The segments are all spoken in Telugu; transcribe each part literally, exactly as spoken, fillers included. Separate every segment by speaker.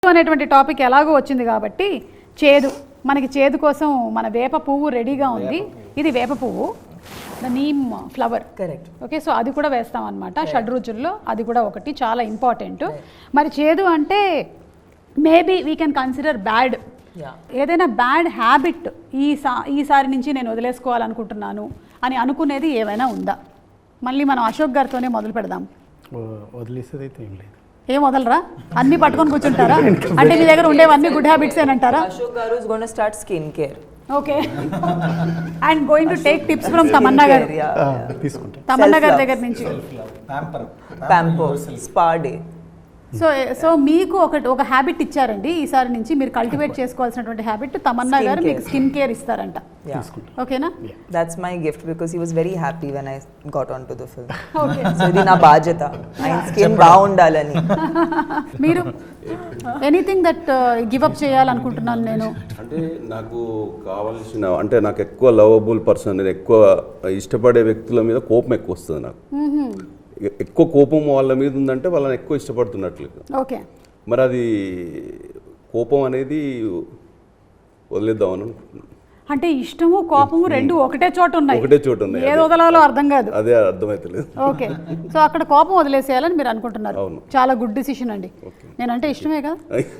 Speaker 1: అనేటువంటి టాపిక్ ఎలాగో వచ్చింది కాబట్టి చేదు మనకి చేదు కోసం మన వేప పువ్వు రెడీగా ఉంది. ఇది వేప పువ్వు, the neem flower.
Speaker 2: Correct.
Speaker 1: Okay, so అది కూడా వేస్తాం అనమాట. షడ్రుచుల్లో అది కూడా ఒకటి చాలా ఇంపార్టెంట్. మరి చేదు అంటే maybe we can consider bad. ఏదైనా బ్యాడ్ హ్యాబిట్ ఈ సా ఈసారి నుంచి నేను వదిలేసుకోవాలనుకుంటున్నాను అని అనుకునేది ఏమైనా ఉందా? మళ్ళీ మనం అశోక్ గారితోనే మొదలు పెడదాం.
Speaker 3: వదిలేసేది అయితే ఏం లేదు.
Speaker 1: ఏం వదలరా? అన్ని పట్టుకొని కూర్చుంటారా? అంటే మీ దగ్గర ఉండేవన్నీ గుడ్ హ్యాబిట్స్ ఏనంటారా?
Speaker 2: Ashok garu is going to start skin care.
Speaker 1: Okay, and going to take tips from Tamannaah garu.
Speaker 3: తీసుకుంటాం
Speaker 1: తమన్నా గారి దగ్గర నుంచి
Speaker 2: Pamper, spa day.
Speaker 1: So so మీకు ఒకటి ఒక హ్యాబిట్ ఇచ్చారండి ఈసారి నుంచి మీరు కల్టివేట్ చేసుకోవాల్సినటువంటి హ్యాబిట్. తమన్నా గారు మీకు స్కిన్ కేర్ ఇస్తారంట. ఓకేనా?
Speaker 2: That's my gift because he was very happy when I got onto the film.
Speaker 1: Okay,
Speaker 2: So ఇది నా బాధ్యత, ఆయన స్కిన్ బాగుండాలని.
Speaker 1: మీరు ఎనీథింగ్ దట్ గివ్ అప్ చేయాలనుకుంటున్నాను నేను.
Speaker 4: అంటే నాకు కావాల్సిన అంటే నాకు ఎక్కువ లవబుల్ పర్సన్, నేను ఎక్కువ ఇష్టపడే వ్యక్తుల మీద కోపం ఎక్కువ వస్తుంది నాకు. ఎక్కువ కోపం వాళ్ళ మీద ఉందంటే వాళ్ళని ఎక్కువ ఇష్టపడుతున్నట్లు.
Speaker 1: ఓకే,
Speaker 4: మరి అది కోపం అనేది వదిలేద్దామని అనుకుంటున్నాను.
Speaker 1: అంటే ఇష్టము కోపము రెండు ఒకటే చోట ఉన్నాయి.
Speaker 4: ఒకటే చోట ఉన్నాయి.
Speaker 1: ఏది వదలాలో అర్థం కాదు.
Speaker 4: అదే అర్థమైతలేదు.
Speaker 1: ఓకే, సో అక్కడ కోపం వదిలేసేయాలని మీరు అనుకుంటున్నారు.
Speaker 4: అవును.
Speaker 1: చాలా గుడ్ డిసిషన్ అండి. నేనంటే ఇష్టమే కదా,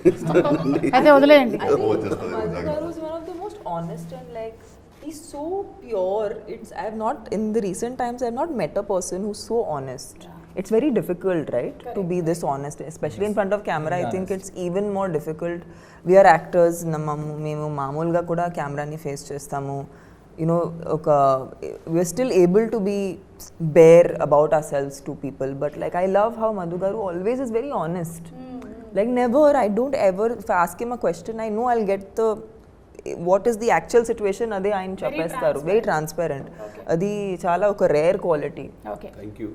Speaker 1: అయితే వదిలేయండి.
Speaker 2: Madhu is one of the most honest and like he's so pure. It's I have not in the recent times I have not met a person who's so honest. It's very difficult, right? Correct. To be this honest, especially in front of camera. I think it's even more difficult. We are actors. మేము మామూలుగా కూడా కెమెరాని ఫేస్ చేస్తాము. You know, oka we are still able to be bare about ourselves to people. But like I love how Madhu garu always is very honest. Mm-hmm. Like never, I don't ever. If I ask him a question, I know I'll get the what is the actual situation. Ade ఆయన చెప్పేస్తారు. Very transparent. అది చాలా ఒక rare quality.
Speaker 1: Okay,
Speaker 4: thank you.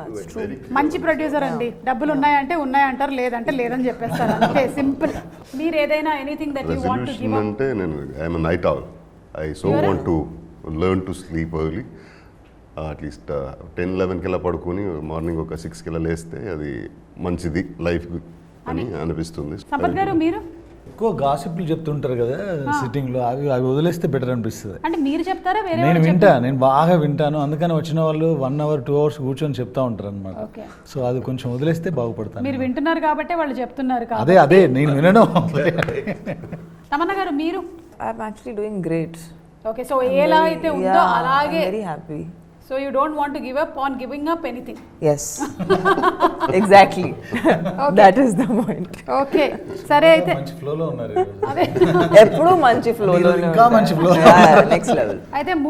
Speaker 1: మంచి ప్రొడ్యూసర్ అండి. డబ్బులు ఉన్నాయంటే ఉన్నాయంటారు, లేదంటే లేదని చెప్పేస్తారు. అంతే సింపుల్. మీరు ఏదైనా anything that you want to give
Speaker 5: అంటే నేను I am a night owl. I so want to learn to sleep early. At least ten లెవెన్కి ఇలా పడుకొని మార్నింగ్ ఒక సిక్స్కి ఇలా లేస్తే అది మంచిది లైఫ్ అని అనిపిస్తుంది.
Speaker 1: సంపత్ గారు మీరు
Speaker 6: ఎక్కువ గాసిప్లు చెప్తుంటారు కదా సిట్టింగ్ లో, అవి అవి వదిలేస్తే బెటర్ అనిపిస్తుంది.
Speaker 1: అంటే మీరు చెప్తారా వేరే?
Speaker 6: నేను వింటా, నేను బాగా వింటాను. అందుకని వచ్చిన వాళ్ళు వన్ అవర్ టూ అవర్స్ కూర్చొని చెప్తా ఉంటారు అనమాట. సో అది కొంచెం వదిలేస్తే బాగుపడతాను.
Speaker 1: మీరు వింటున్నారు కాబట్టి వాళ్ళు చెప్తున్నారు.
Speaker 6: అదే అదే నేను వినడం.
Speaker 1: తమన్నా గారు మీరు?
Speaker 2: I'm actually doing great.
Speaker 1: Okay, so ఎలా అయితే ఉందో అలాగే.
Speaker 2: Very happy.
Speaker 1: So you don't want to give up on giving up anything.
Speaker 2: Yes. Exactly.
Speaker 1: Okay.
Speaker 2: That is the point.
Speaker 1: Okay, సరే అయితే
Speaker 6: మంచి ఫ్లోలో ఉన్నారు.
Speaker 1: అదే
Speaker 2: ఎప్పుడు మంచి ఫ్లో లో
Speaker 6: ఇంకా మంచి flow.
Speaker 2: Next level.
Speaker 1: అయితే